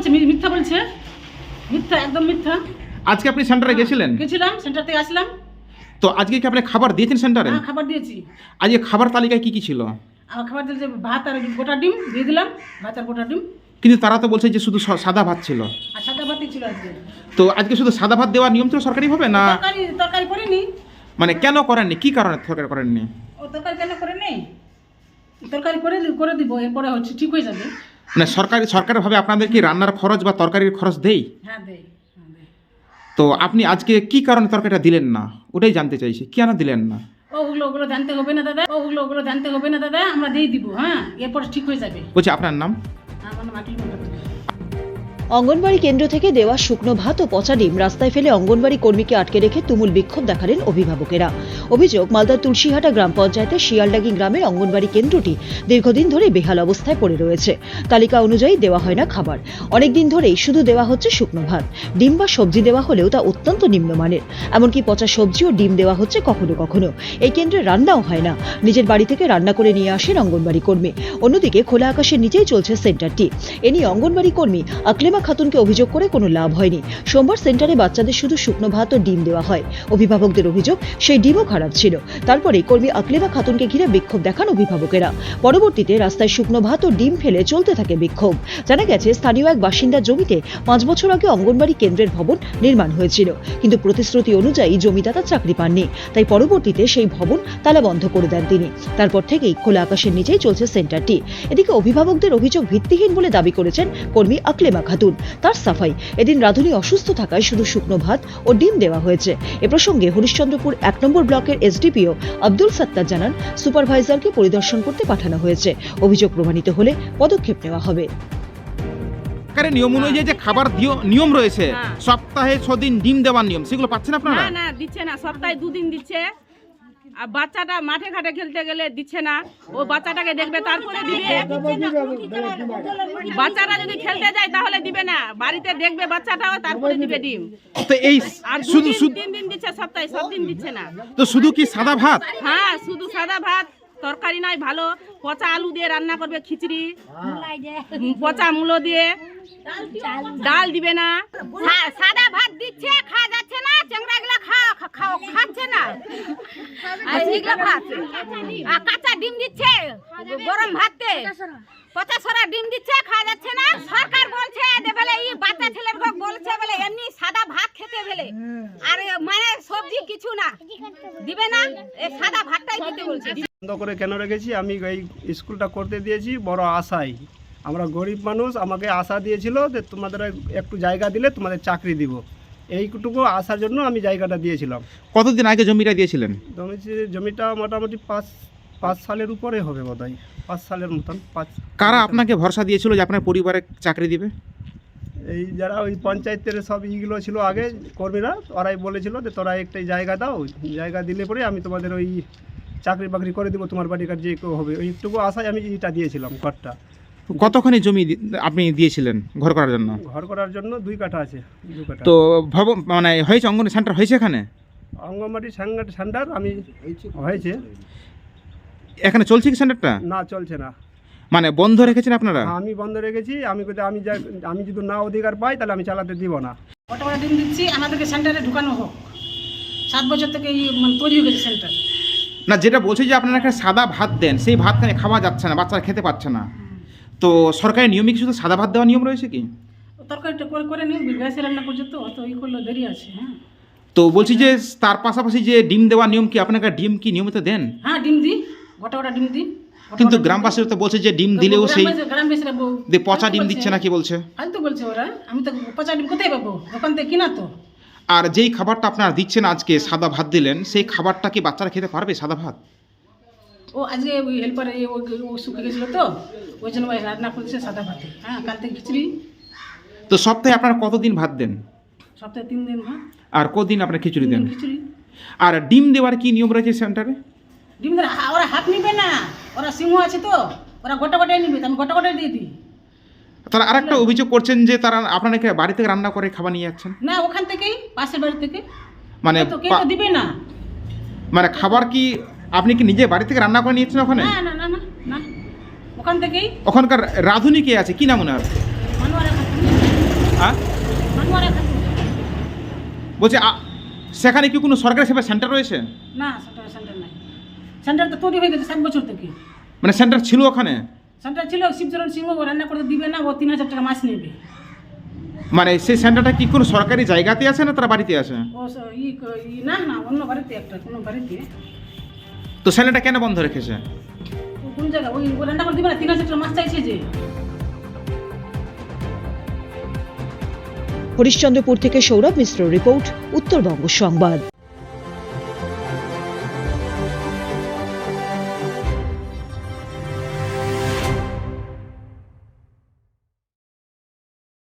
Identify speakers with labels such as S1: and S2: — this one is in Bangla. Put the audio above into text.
S1: মিথ্যা বলছে, মিথ্যা, একদম মিথ্যা।
S2: আজকে আপনি সেন্টারে গেছিলেন?
S1: গেছিলাম, সেন্টার থেকে আসলাম।
S2: তো আজকে কি আপনি খাবার দিয়েছেন সেন্টারে?
S1: হ্যাঁ, খাবার দিয়েছি।
S2: আজকে খাবার তালিকায় কি কি ছিল?
S1: আমার খাবার দিয়েছে ভাত আর গোটা ডিম দিয়ে দিলাম, ভাত আর গোটা ডিম।
S2: কিন্তু তারা তো বলছে যে শুধু সাদা ভাত ছিল।
S1: আর সাদা ভাতই ছিল আজকে।
S2: তো আজকে শুধু সাদা ভাত দেওয়ার নিয়ম ছিল সরকারিভাবে না?
S1: তরকারি করেনি।
S2: মানে কেন করেননি, কি কারণে তরকারি করেননি?
S1: ও তরকারি কেন করেনি? তরকারি করে দিব, এরপরে হচ্ছে ঠিক হয়ে যাবে।
S2: মানে সরকারিভাবে আপনাদের কি রান্নার খরচ বা তরকারির খরচ দেই?
S1: হ্যাঁ দেয়।
S2: তো আপনি আজকে কি কারণে তরকারিটা দিলেন না ওটাই জানতে চাইছি, কেন দিলেন না?
S1: ওগুলো জানতে হবে না দাদা, ওগুলো জানতে হবে না দাদা, আমরা দিয়ে দিব। হ্যাঁ, এরপর ঠিক হয়ে যাবে।
S2: বলছি আপনার নাম?
S1: আমার নাম আকিল মন্ডল।
S3: অঙ্গনবাড়ি কেন্দ্র থেকে দেওয়া শুকনো ভাত ও পচা ডিম রাস্তায় ফেলে অঙ্গনবাড়ি কর্মীকে আটকে রেখে তুমুল বিক্ষোভ দেখালেন অভিভাবকেরা। অভিযোগ, মালদার তুলসীহাটা গ্রাম পঞ্চায়েতের শিয়ালডাঙ্গি গ্রামের অঙ্গনবাড়ি কেন্দ্রটি দীর্ঘদিন ধরে বেহাল অবস্থায় পড়ে রয়েছে। তালিকা অনুযায়ী দেওয়া হয় না খাবার। অনেকদিন ধরেই শুধু দেওয়া হচ্ছে শুকনো ভাত। ডিম বা সবজি দেওয়া হলেও তা অত্যন্ত নিম্নমানের। এমনকি পচা সবজি ও ডিম দেওয়া হচ্ছে কখনো কখনো। এই কেন্দ্রে রান্নাও হয় না। নিজের বাড়ি থেকে রান্না করে নিয়ে আসেন অঙ্গনবাড়ি কর্মী। অন্যদিকে খোলা আকাশের নিচেই চলছে সেন্টারটি। এ নিয়ে অঙ্গনবাড়ি কর্মী আকলেমা খাতুনকে অভিযোগ করে কোনো লাভ হয়নি। সোমবার সেন্টারে বাচ্চাদের শুধু শুকনো ভাত ও ডিম দেওয়া হয়। অভিভাবকদের অভিযোগ, সেই ডিমও খারাপ ছিল। তারপরে কর্মী আকলেমা খাতুনকে ঘিরে বিক্ষোভ দেখান অভিভাবকেরা। পরবর্তীতে রাস্তায় শুকনো ভাত ও ডিম ফেলে চলতে থাকে বিক্ষোভ। জানা গেছে, স্থানীয় এক বাসিন্দার জমিতে 5 বছর আগে অঙ্গনবাড়ি কেন্দ্রের ভবন নির্মাণ হয়েছিল, কিন্তু প্রতিশ্রুতি অনুযায়ী জমিদাতা চাকরি পাননি। তাই পরবর্তীতে সেই ভবন তালা বন্ধ করে দেন তিনি। তারপর থেকেই খোলা আকাশের নিচেই চলছে সেন্টারটি। এদিকে অভিভাবকদের অভিযোগ ভিত্তিহীন বলে দাবি করেছেন কর্মী আকলেমা খাতুন। তার সাফাই, এদিন রাধুনী অসুস্থ থাকায় শুধু শুকনো ভাত ও ডিম দেওয়া হয়েছে। এ প্রসঙ্গে হরিশ্চন্দ্রপুর 1 নম্বর ব্লকের এসডিপিও আব্দুল সত্তার জানান, সুপারভাইজারকে পরিদর্শন করতে পাঠানো হয়েছে। অভিযোগ প্রমাণিত হলে পদক্ষেপ নেওয়া হবে।
S2: সরকারের নিয়ম অনুযায়ী যে খাবার নিয়ম রয়েছে, সপ্তাহে 6 দিন ডিম দেওয়ার নিয়ম, সেগুলো পাচ্ছেন আপনারা?
S4: না দিচ্ছে না, সপ্তাহে 2 দিন দিচ্ছে। আর বাচ্চাটা মাঠে ঘাটে খেলতে গেলে দিচ্ছে না, ও বাচ্চাটাকে দেখবে তারপরে দিবে। বাচ্চারা যদি খেলতে যায় তাহলে দিবে না, বাড়িতে দেখবে বাচ্চাটাও তারপরে দিবে ডিম।
S2: তো এই
S4: আর
S2: শুধু
S4: 3 দিন দিচ্ছে সপ্তাহে, সব দিন দিচ্ছে না।
S2: তো শুধু কি সাদা ভাত?
S4: হ্যাঁ, শুধু সাদা ভাত, তরকারি নয়, ভালো পচা আলু দিয়ে রান্না করবে, খিচড়ি, পচা মূলো দিয়ে, ডাল দিবে না। সাদা ভাত দিচ্ছে, খাওয়া যাচ্ছে না, চেংড়াগুলা খাচ্ছে না। আর এগুলা ভাত আর কাঁচা ডিম দিচ্ছে, গরম ভাতে পচা সরা ডিম দিচ্ছে, খাওয়া যাচ্ছে না। সরকার বলছে যে বলে এই বাচ্চা ছেলের বলছে বলে এমনি সাদা ভাত খেতে বলে, আর মানে সবজি কিছু না দিবে না, এই সাদা ভাতটাই দিতে বলছে।
S5: বন্ধ করে কেন রেখেছি? আমি এই স্কুলটা করতে দিয়েছি বড় আশায়। আমরা গরিব মানুষ, আমাকে আশা দিয়েছিল যে তোমাদের একটু জায়গা দিলে তোমাদের চাকরি দিব। এইটুকু আসার জন্য আমি জায়গাটা দিয়েছিলাম।
S2: কতদিন আগে জমিটা দিয়েছিলেন?
S5: জমিটা মোটামুটি 5 সালের উপরে হবে বোধহয়, 5 সালের মতন।
S2: কারা আপনাকে ভরসা দিয়েছিল যে আপনার পরিবারে চাকরি দিবে?
S5: এই যারা ওই পঞ্চায়েতের সব ইগুলো ছিল আগে কর্মীরা, ওরাই বলেছিল যে তোরা একটা জায়গা দাও, জায়গা দিলে পরে আমি তোমাদের ওই চাকরি বাকরি করে দেবো, তোমার বাড়ির কাছে যে কেউ হবে। ওইটুকু আশায় আমি এটা দিয়েছিলাম ঘরটা।
S2: কতখানি জমি আপনি দিয়েছিলেন ঘর করার জন্য?
S5: ঘর করার জন্য 2 কাঠা আছে, 2 কাঠা।
S2: তো ভবন মানে হয়েছে, অঙ্গনবাড়ি সেন্টার হয়েছে এখানে?
S5: অঙ্গনবাড়ি সেন্টার আমি হয়েছে।
S2: এখানে চলছে কি সেন্টারটা?
S5: না, চলছে না।
S2: মানে বন্ধ রেখেছেন আপনারা?
S5: আমি বন্ধ রেখেছি। আমি যদি না অধিকার পাই তাহলে আমি চালাতে দিব না।
S1: গোটা ডিম দিচ্ছি, আমাদেরকে সেন্টারে ঢুকানো হোক। 7 বছর থেকে তৈরি হয়ে গেছে সেন্টার।
S2: না, যেটা বলছে যে আপনারা একটা সাদা ভাত দেন, সেই ভাত খাওয়া যাচ্ছে না, বাচ্চারা খেতে পাচ্ছে না। তো সরকারি নিয়মে কি শুধু সাদা ভাত দেওয়ার নিয়ম রয়েছে কি?
S1: তরকারিটা করে নিন, গ্যাসে রান্না করছে তো অত করলে দেরি আছে। হ্যাঁ,
S2: তো বলছি যে তার পাশাপাশি যে ডিম দেওয়ার নিয়ম কি, আপনাকে ডিম কি নিয়মিত দেন?
S1: হ্যাঁ, ডিম দিই, গোটা ডিম দিই।
S2: কিন্তু গ্রামবাসীরা তো বলছে যে ডিম দিলেও সেই
S1: গ্রামবাসীরা
S2: পচা ডিম দিচ্ছে না, কি বলছে?
S1: ফালতু বলছে ওরা। আমি তো পচা ডিম কোথায় পাবো? দোকান থেকে কিনা তো।
S2: আর যেই খাবারটা আপনারা দিচ্ছেন আজকে, সাদা ভাত দিলেন, সেই খাবারটা কি বাচ্চারা খেতে পারবে সাদা ভাত?
S1: ও আজকে ওই হেল্পারে ও শুকে গেছিলো তো, ওই জন্য রান্না করছে সাদা ভাতে। হ্যাঁ, কাল থেকে খিচড়ি।
S2: তো সপ্তাহে আপনারা কতদিন ভাত দেন?
S1: সপ্তাহে 3 দিন ভাত।
S2: আর কদিন আপনারা খিচুড়ি দেন?
S1: খিচুড়ি।
S2: আর ডিম দেওয়ার কি নিয়ম রয়েছে সেন্টারে?
S1: ডিম ওরা হাত নিবে না, ওরা সিংহ আছে তো, ওরা গোটাই নিবে, আমি গোটাই দিয়ে দিই।
S2: তারা আরেকটা অভিযোগ করছেন যে তারা আপনাকে বাড়ি থেকে রান্না করে খাবার নিয়ে যাচ্ছেন।
S1: না, ওখান থেকেই, পাশের বাড়ি থেকে।
S2: মানে
S1: কেউ তো দিবে না।
S2: মানে খাবার কি আপনি কি নিজে বাড়ি থেকে রান্না করে নিয়েছেন ওখানে?
S1: না না না না না, ওখান থেকেই।
S2: ওখানকার রাঁধুনি কে আছে, কি নাম ওনার?
S1: মানুয়ারা খাতুন।
S2: বলছে সেখানে কি কোনো সরকারি সেবা সেন্টার রয়েছে?
S1: না সেন্টার নাই, সেন্টার তো তৈরি হয়ে গেছে 7 বছর থেকে।
S2: মানে সেন্টার ছিল ওখানে?
S1: সেন্টার ছিল, শিবচরণ সিংহ ও রান্না করতে দিবে না, ও 3000 টাকা মাস নেবে।
S2: মানে সেই সেন্টারটা কি কোনো সরকারি জায়গাতে আছে না তারা বাড়িতে আছে?
S1: ও না না, অন্য বাড়িতে, একটা কোনো বাড়িতে।
S2: তো সেন্টারটা কেন বন্ধ রেখেছে?
S1: ও কোন জায়গা, ওই ও রান্না করতে দিবে না, 3000 টাকা মাস চাইছে যে।
S3: হরিশ্চন্দ্রপুর থেকে সৌরভ মিশ্র রিপোর্ট, উত্তরবঙ্গ সংবাদ।